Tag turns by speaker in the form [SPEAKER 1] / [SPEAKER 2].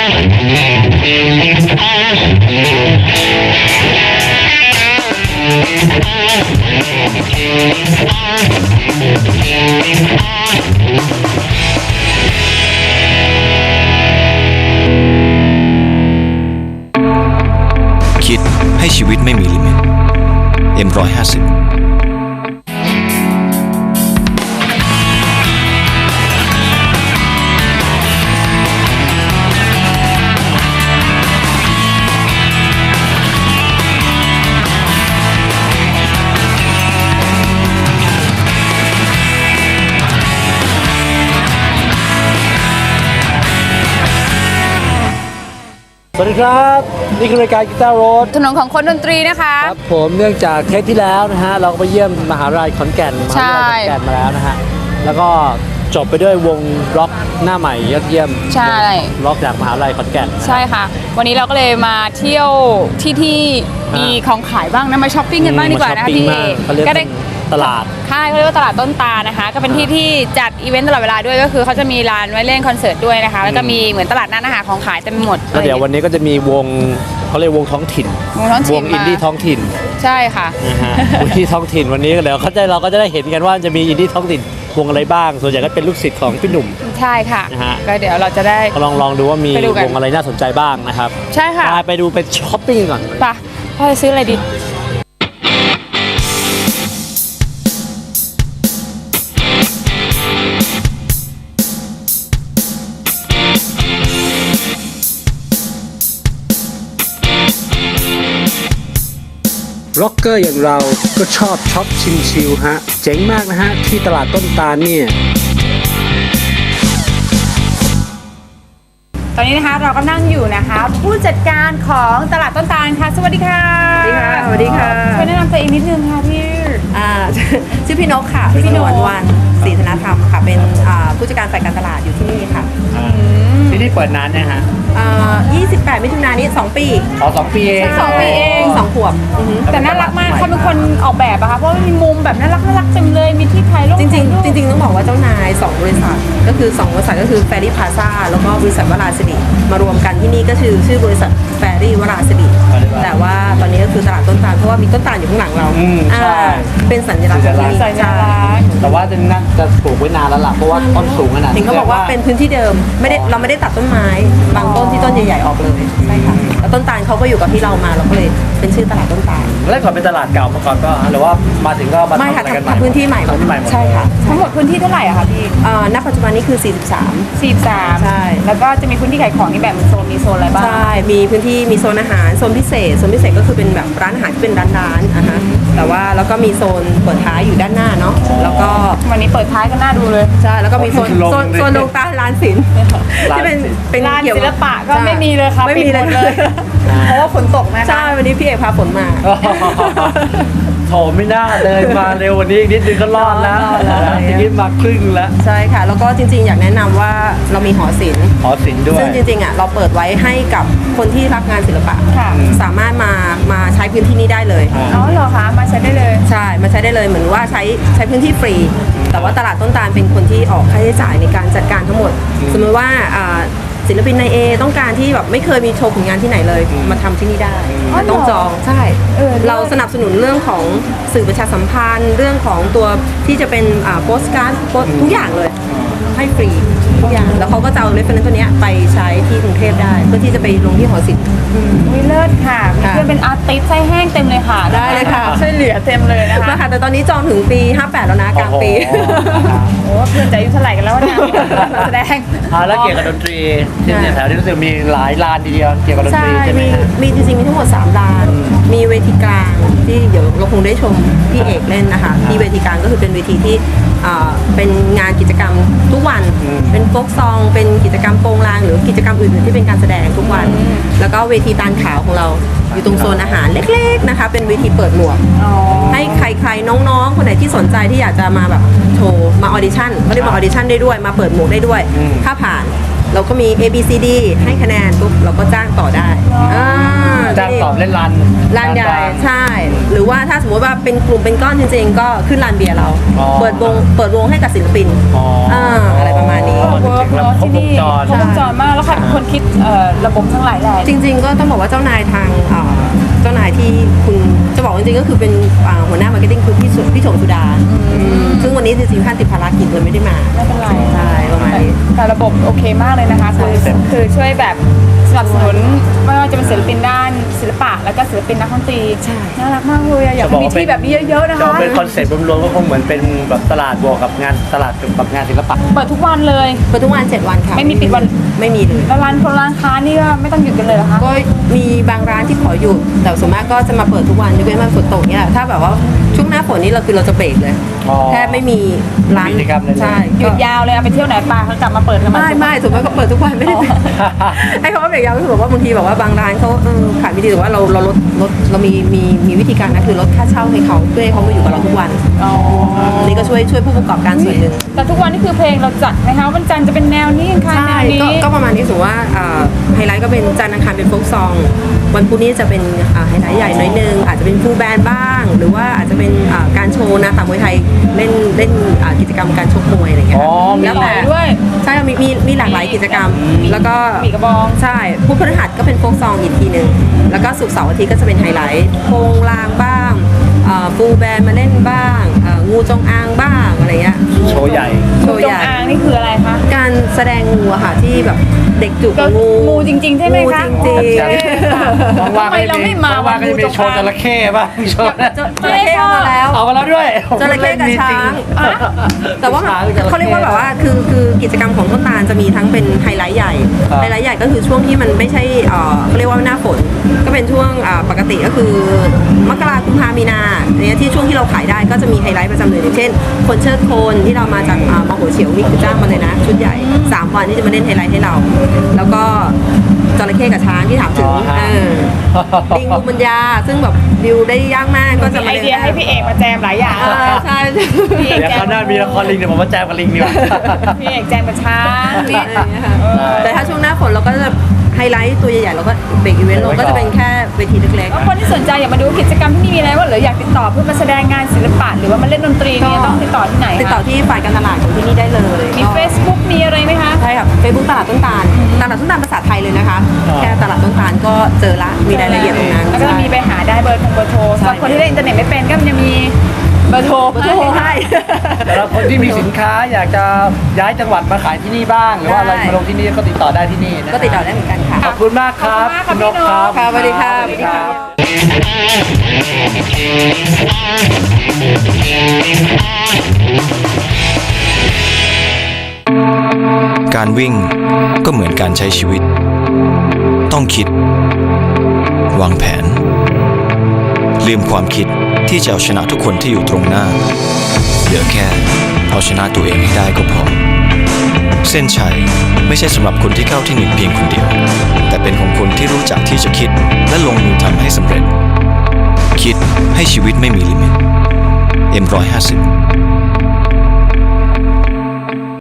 [SPEAKER 1] คิดให้ชีวิตไม่มีลิมิต M150
[SPEAKER 2] สวัสดีครับนี่คือรายการกีตาร์โรด
[SPEAKER 3] ถนนของคนดนตรีนะคะ
[SPEAKER 2] ครับผมเนื่องจากเทปที่แล้วนะฮะเราก็ไปเยี่ยมมหาวิทยาลัยขอนแก่นมหาวิทยาลัยขอนแก่นมาแล้วนะฮะแล้วก็จบไปด้วยวงร็อกหน้าใหม่ยอดเยี่ยม
[SPEAKER 3] ใช่
[SPEAKER 2] ร็อกจากมหาวิทยาลัยขอนแก่น
[SPEAKER 3] ใช่ค่ะวันนี้เราก็เลยมาเที่ยวที่มีของขายบ้างนะมาช้อปปิ้งกันบ้างดีกว่านะคะพี่
[SPEAKER 2] ก็ได้ตลาด
[SPEAKER 3] ค่ายเขาเรียกว่าตลาดต้นตานะคะก็เป็นที่จัดอีเวนต์ตลอดเวลาด้วยก็คือเขาจะมีร้านไว้เล่นคอนเสิร์ตด้วยนะคะแล้วก็มีเหมือนตลาดนัดอาหารของขายเต็มไปหมด
[SPEAKER 2] แล้วเดี๋ยววันนี้ก็จะมีวงเขาเรียกวงท้องถิ่นวงอินดี้ท้องถิ่น
[SPEAKER 3] ใช่ค่ะ
[SPEAKER 2] วงที่ท้องถิ่นวันนี้เดี๋ยวเราก็จะได้เห็นกันว่าจะมีอินดี้ท้องถิ่นวงอะไรบ้างส่วนใหญ่ก็เป็นลูกศิษย์ของพี่หนุ่ม
[SPEAKER 3] ใช่ค่ะก็เดี๋ยวเราจะได้
[SPEAKER 2] ลองดูว่ามีวงอะไรน่าสนใจบ้างนะครับ
[SPEAKER 3] ใช่ค่ะ
[SPEAKER 2] ไปดูไปช้อปปิ้งก่อน
[SPEAKER 3] ไปพ่อจะซื้ออะไรดี
[SPEAKER 2] ร็อกเกอร์อย่างเราก็ชอบช็อปชิลๆฮะเจ๋งมากนะฮะที่ตลาดต้นตาลเนี่ย
[SPEAKER 3] ตอนนี้นะคะเราก็นั่งอยู่นะคะผู้จัดการของตลาดต้นตาลค่ะสวัสดีค่ะ
[SPEAKER 4] สวัสดีค่ะ
[SPEAKER 3] ช่วยแนะนำตัวเองนิดนึงค่ะพี่
[SPEAKER 4] ชื่อพี่นกค่ะพี่นกวันศรีธนธรรมค่ะเป็นผู้จัดการฝ่ายการตลาดอยู่ที่นี่ค่ะ
[SPEAKER 2] ที่นี่เปิดนานนะฮะ
[SPEAKER 4] 28 มิถุนายนนี้2 ปี
[SPEAKER 2] 2 ปีเอง
[SPEAKER 4] 2 ขวบ
[SPEAKER 3] แต่น่ารักมากเขาเป็นคนออกแบบอะค่ะเพราะมีมุมแบบน่ารักเต็มเลยมีที่ถ่ายรูป
[SPEAKER 4] จริงต้องบอกว่าเจ้านาย2 บริษัทก็คือ2 บริษัทก็คือแฟรี่พลาซ่าแล้วก็บริษัทวราสิริมารวมกันที่นี่ก็คือชื่อบริษัทแฟรี่วราสิริแต่ว่าตอนนี้ก็คือตลาดต้นตาลเพราะว่ามีต้นตาลอยู่ข้างหลังเราเป็นสัญลักษณ์ของที่นี่
[SPEAKER 2] แต่ว่าจะปลูกไว้นานแล้วล่ะเพราะว่าต้นสูงขนาดนี้
[SPEAKER 4] เขาบอกว่าเป็นพื้นที่เดิมเราไม่ได้ตัดต้นไม้บางต้นที่ต้นใหญ่ๆออกเลยใช่ค่ะแล้วต้นตาลเขาก็อยู่กับที่เรามาเราก็เลยเป็นชื่อตลาดต้นตาล
[SPEAKER 2] แล้วก่อนเป็นตลาดเก่ามาก่อนก็หรือว่ามาถึงก็มาทำอะไรกันใหม่
[SPEAKER 4] พื้นที่ใหม่ใช่ค่ะ
[SPEAKER 3] ทั้งหมดพื้นที่เท่าไหร่อะคะพี่
[SPEAKER 4] ณปัจจุบันนี้คือ43ใช่
[SPEAKER 3] แล้วก็จะมีพื้นที่ขายของนี่แบบมีโซนอะไรบ้าง
[SPEAKER 4] ใช่มีพื้นที่มีโซนอาหารโซนพิเศษก็คือเป็นแบบร้านอาหารที่เป็นร้านฮะแต่ว่าแล้วก็มีโซนเปิดท้ายอยู่ด้านหน้าเนาะแล้วก็
[SPEAKER 3] วันนี้เปิดท้ายก็น่าดูเลย
[SPEAKER 4] ใช่แล้วก็มีโซนลงตาร้านศิลป์ที่เป็น
[SPEAKER 3] ร้านศิลปะก็ไม่มีเลยค่ะ
[SPEAKER 4] ไม่มีเลย
[SPEAKER 3] เพราะว่าฝนตกนะคะ
[SPEAKER 4] ใช่วันนี้พี่เอกพาฝนมา
[SPEAKER 2] โถไม่น่าเลยมาเร็ววันนี้นิดนึงก็รอดแล้วทีนี้มาครึ่งแล้ว
[SPEAKER 4] ใช่ค่ะแล้วก็จริงๆอยากแนะนำว่าเรามีหอศิลป์
[SPEAKER 2] ด้วย
[SPEAKER 4] ซึ่งจริงๆเราเปิดไว้ให้กับคนที่รักงานศิลปะสามารถมาใช้พื้นที่นี้สำหรับ
[SPEAKER 3] เหรอคะมาใช้ได้เลย
[SPEAKER 4] ใช่มาใช้ได้เลยเหมือนว่าใช้พื้นที่ฟรีแต่ว่าตลาดต้นตาลเป็นคนที่ออกค่าใช้จ่ายในการจัดการทั้งหมดสมมติว่าศิลปินในต้องการที่แบบไม่เคยมีโชว์ผลงานที่ไหนเลยมาทำที่นี่ได้ต้องจองใช่เราสนับสนุนเรื่องของสื่อประชาสัมพันธ์เรื่องของตัวที่จะเป็นโปสการ์ดทุกอย่างเลยให้ฟรีทุกอย่างแล้วเขาก็จะเอาเรฟเฟอเรนซ์ตัวนี้ไปใช้ที่กรุงเทพได้เพื่อที่จะไปลงที่หอศิลป์
[SPEAKER 3] เลิศค่ะมีเพื่อนเป็นอาร์ติสต์ไส้แห้งเต็มเลยค่ะ
[SPEAKER 4] ได้เลยค่ะ
[SPEAKER 3] ช่วยเหลือเต็มเลยนะคะ
[SPEAKER 4] แต่ตอนนี้จองถึงปี58แล้วนะกลางปี
[SPEAKER 3] โอ้เพื่อนจะอายุเท่าไหร่กันแล้วเนี่ยแสดง
[SPEAKER 2] แล้วเกี่ยวกับดนตรีที่แถวที่รู้สึกมีหลายลานทีเดียวเกี่ยวกับดนตรีใช่ไหม
[SPEAKER 4] มีจริงๆมีทั้งหมด3 ลานมีเวทีกลางที่เดี๋ยวเราคงได้ชมพี่เอกเล่นนะคะที่เวทีกลางก็คือเป็นเวทีที่เป็นงานกิจกรรมทุกวันเป็นโฟกซองเป็นกิจกรรมโปงลางหรือกิจกรรมอื่นๆที่เป็นการแสดงทุกวันแล้วก็เวทีตาลขาวของเราอยู่ตรงโซนอาหารเล็กๆนะคะเป็นเวทีเปิดหมวกให้ใครๆน้องๆคนไหนที่สนใจที่อยากจะมาแบบโชว์มาออดิชั่นก็เรียกมาออดิชั่นได้ด้วยมาเปิดหมวกได้ด้วยถ้าผ่านเราก็มี A B C D ให้คะแนนปุ๊บเราก็จ้างต่อได้
[SPEAKER 2] จ้างตอบเล่นลาน
[SPEAKER 4] ลานใหญ่ใช่ หรือว่าถ้าสมมติว่าเป็นกลุ่มเป็นก้อนจริงๆ ก็ขึ้นลานเบียร์เรา
[SPEAKER 2] อ๋อ
[SPEAKER 4] เปิดวงให้กับศิลปิน
[SPEAKER 2] อ๋ออ่
[SPEAKER 4] อะไรประมาณนี้
[SPEAKER 3] เวิร์กเนาะที่นี่
[SPEAKER 2] ครบวงจร
[SPEAKER 3] ครบวงจรมากแล้วใครเป็นคนคิดระบบทั้งหลายแหล่
[SPEAKER 4] จริงๆ ก็ต้องบอกว่าเจ้านายทางเจ้านายที่คุณจะบอกจริงๆ ก็คือเป็นหัวหน้ามาร์เก็ตติ้งคือพี่โฉมสุดาซึ่งวันนี้จริงๆท่านติดภารกิจเลยไม่ได้มา
[SPEAKER 3] ไม่เป็นไร
[SPEAKER 4] ใช่ประมาณนี้
[SPEAKER 3] แต่ระบบโอเคมากเลยนะคะคือช่วยแบบสนับสนุนไม่ว่าจะเป็นศิลปินด้านศิลปะแล้วก็ศิลปินนักดนตรี
[SPEAKER 4] ใช่
[SPEAKER 3] น่ารักมากเลยอะอยากให้มีที่แบบนี้เยอะๆนะ
[SPEAKER 2] จะ
[SPEAKER 3] คะ
[SPEAKER 2] เป็นคอนเซ็ปต์รวมๆก็คงเหมือนเป็นแบบตลาดบวกกับงานตลาดกับงานศิลปะ
[SPEAKER 3] เปิดทุกวันเลย
[SPEAKER 4] เปิดทุกวัน7 วันค่ะ
[SPEAKER 3] ไม่มีปิดวัน
[SPEAKER 4] ไม่มีเลย
[SPEAKER 3] แล้วร้านค้านี่ก็ไม่ต้องหยุดกันเลยเหรอคะ
[SPEAKER 4] ก็มีบางร้านที่ขอหยุดแต่ส่วนมากก็จะมาเปิดทุกวันยกเว้นวันฝนตกเนี่ยถ้าแบบว่าช่วงหน้าฝนนี่เราจะเบรกเลย
[SPEAKER 2] อ๋อ
[SPEAKER 4] แทบไม่มีร้าน
[SPEAKER 2] กิจกรรมเลย
[SPEAKER 4] ใช่
[SPEAKER 3] หยุดยาวเลยเอาไปเที่ยวไหนปลาเขากลับมาเปิดกัน
[SPEAKER 4] ไม่ส่วนมากก็เปิดทุกวันไม่ได้ปิดไอ้คำว่าเบรกยาวก็คือแบบว่าบางทีแบบว่าบางร้านเขาขายไม่ดีแต่ว่าเราลดเรามีวิธีการนะคือลดค่าเช่าให้เขาเพื่อให้เขามาอยู่กับเราทุกวัน
[SPEAKER 3] อ๋อ
[SPEAKER 4] อันนี้ก็ช่วยผู้ประกอบการส่วนหนึ่ง
[SPEAKER 3] แต่ทุกวันนี่คือเพลงเราจัดนะคะวันจันทร์จะเป็นแนวนี้อังคารแนวนี้
[SPEAKER 4] ก็ประมาณนี้สมมติว่าไฮไลท์ก็เป็นจันทร์อังคารเป็นโฟล์คซองวันพุธนี้จะเป็นไฮไลท์ใหญ่หน่อยนึงอาจจะเป็นฟูลแบนด์บ้าง หรือว่าอาจจะเป็นการโชว์นะตามมวยไทยเล่นกิจกรรมการชกมวยอะไรอย่างเงี้ย
[SPEAKER 2] อ๋อมี
[SPEAKER 4] แล้วแต่
[SPEAKER 3] ด้วย
[SPEAKER 4] ใช่มีหลากหลายกิจกรรม แล้วก็
[SPEAKER 3] ปีกระบอง
[SPEAKER 4] ใช่พุธพฤหัสก็เป็นโฟล์คซองอีกทีหนึ่งแล้วก็ศุกร์เสาร์อาทิตย์ก็จะเป็นไฮไลท์โคงลางบ้างฟูลแบนด์มาเล่นบ้างงูจงอางบ้างอะไรเงี้ย
[SPEAKER 2] โชว์ใหญ่
[SPEAKER 4] โชว์
[SPEAKER 3] จ
[SPEAKER 4] ให
[SPEAKER 3] ง
[SPEAKER 4] ญ่
[SPEAKER 3] อางนี่คืออะไรคะ
[SPEAKER 4] การแสดงงูอะค่ะที่แบบเด็กจูบกับงู
[SPEAKER 3] งูจริงๆใช่ไหมคะ
[SPEAKER 4] งูจริง
[SPEAKER 3] โอเคค่ะ
[SPEAKER 2] ว่างๆ
[SPEAKER 3] ทำไมเราไม่มา
[SPEAKER 2] ว่างๆก็จะมีโชว์จระเข้บ้างโชว์
[SPEAKER 4] ๆจระเข้เอามาแล้ว
[SPEAKER 2] เอามาแล้วด้วย
[SPEAKER 4] จระเข้กับช้าง
[SPEAKER 3] อ่ะ
[SPEAKER 4] แต่ว่า
[SPEAKER 2] ช้างกับจระเข้
[SPEAKER 4] เขาเรียกว่าแบบว่าคือกิจกรรมของต้นตาลจะมีทั้งเป็นไฮไลท์ใหญ่
[SPEAKER 2] ครับ
[SPEAKER 4] ไฮไลท์ใหญ่ก็คือช่วงที่มันไม่ใช่เขาเรียกว่าหน้าฝน ก็เป็นช่วงปกติก็คือมกราคมกุมภามีนาเนี่ยที่ช่วงที่เราขายได้ก็จะมีไฮไลท์ประจำเดือนอย่างเช่น คนเชิดโคนที่เรามาจากมโหเฉียวนี่คือจ้างมาเลยนะ ชุดใหญ่ 3 วันที่จะมาเล่นไฮไลท์ให้เรา แล้วก็จระเข้กับช้างที่ถามถึง
[SPEAKER 2] อ๋อฮะ
[SPEAKER 4] ลิงบูมัญญาซึ่งแบบดิวได้ยากมากก็จะ
[SPEAKER 3] มี
[SPEAKER 4] มา
[SPEAKER 3] ไอ
[SPEAKER 4] เล่น
[SPEAKER 3] เดียให้พี่เอกมาแจมหลายอย่าง
[SPEAKER 4] ใช่
[SPEAKER 3] พี่เอก
[SPEAKER 2] เดี๋ยว
[SPEAKER 3] แจ
[SPEAKER 2] คราวหน้ามีละครลิงเดี๋ยวผมมาแจมกับลิงดีกว่า
[SPEAKER 3] พี่เอกแจมกับช้างนี่
[SPEAKER 4] แต่ถ้าช่วงหน้าฝนเราก็จะไฮไลท์ตัวใหญ่ๆเราก็เบรกอีเวนต์เราก็จะเป็นแค่เวทีเล็ก
[SPEAKER 3] แล้วคนที่สนใจอยากมาดูกิจกรรมที่นี่มีอะไรว่าหรืออยากติดต่อเพื่อมาแสดงงานศิลปะหรือว่ามาเล่นดนตรีเนี่ยต้องติดต่อที่ไหน
[SPEAKER 4] ๆ
[SPEAKER 3] คะ
[SPEAKER 4] ติดต่อที่ฝ่ายการตลาดของที่นี่ได้เลย
[SPEAKER 3] มี Facebook มีอะไรไหมคะ
[SPEAKER 4] ใช่ค่ะเฟซบุ๊กตลาดต้นตาลตลาดต้นตาลภาษาไทยเลยนะคะ
[SPEAKER 2] อ๋อ
[SPEAKER 4] แค่ตลาดต้นตาลก็เจอละมีรายละเอียดตรงนั้น
[SPEAKER 3] แล้วก็จะมีไปหาได้เบอร์โทรสำหรับคนที่เล่นอินเทอร์เน็ตไม่เป็นก็มันจะมีเบอร์โทร
[SPEAKER 4] เบอร์โทรให้
[SPEAKER 2] สำหรับคนที่มีสินค้าอยากจะย้ายจังหวัดมาขายที่นี่บ้าง หรือว่าอะไร
[SPEAKER 4] ได้
[SPEAKER 2] มาลงที่นี่ก็ติดต่อได้ที่นี่นะ
[SPEAKER 4] ก็ติดต่อได้เหมือนกันค่ะ
[SPEAKER 2] ขอบคุณมากครับ
[SPEAKER 3] ขอบคุณมากค่ะ
[SPEAKER 2] ณนกครับ
[SPEAKER 3] พี่นก
[SPEAKER 4] ค่ะสวัสดีค่ะ
[SPEAKER 2] สวัสดีครับ
[SPEAKER 1] การวิ่งก็เหมือนการใช้ชีวิต ต้องคิด วางแผน ลืมความคิดที่จะเอาชนะทุกคนที่อยู่ตรงหน้า เหลือแค่เอาชนะตัวเองให้ได้ก็พอ เส้นชัยไม่ใช่สำหรับคนที่เข้าที่หนึ่งเพียงคนเดียว แต่เป็นของคนที่รู้จักที่จะคิดและลงมือทำให้สำเร็จ คิดให้ชีวิตไม่มีลิมิต M150